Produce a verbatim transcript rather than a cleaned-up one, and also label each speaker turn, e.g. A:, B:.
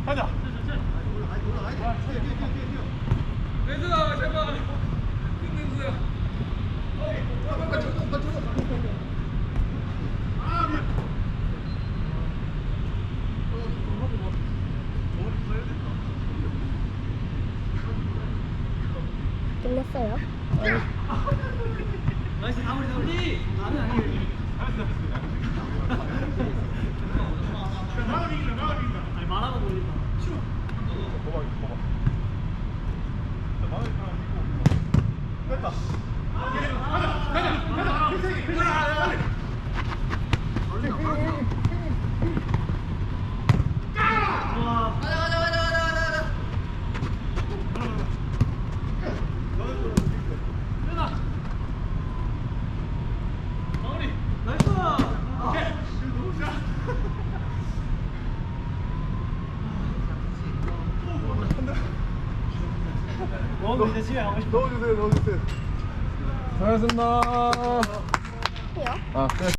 A: 가자.
B: 내주아 제발. 끝내주세요.
C: 끝났어요?
B: 나이스 다우리 다우리. 나는 아니에요. 아니 말하고 돌린다.
A: 봐봐, 봐봐. 자, 마음이 편하고 됐다. 가자, 가자, 가자. 필살기, 필살기.
B: 와. 가자 가자 가자 가자 가자. 연아. 다우리. 나이스.
A: 오케이. 너무 좋아.
B: 너 이제 집에 가고 싶어.
A: 넣어주세요, 넣어주세요.
D: 수고하셨습니다.
C: 해요?
D: 아, 끝.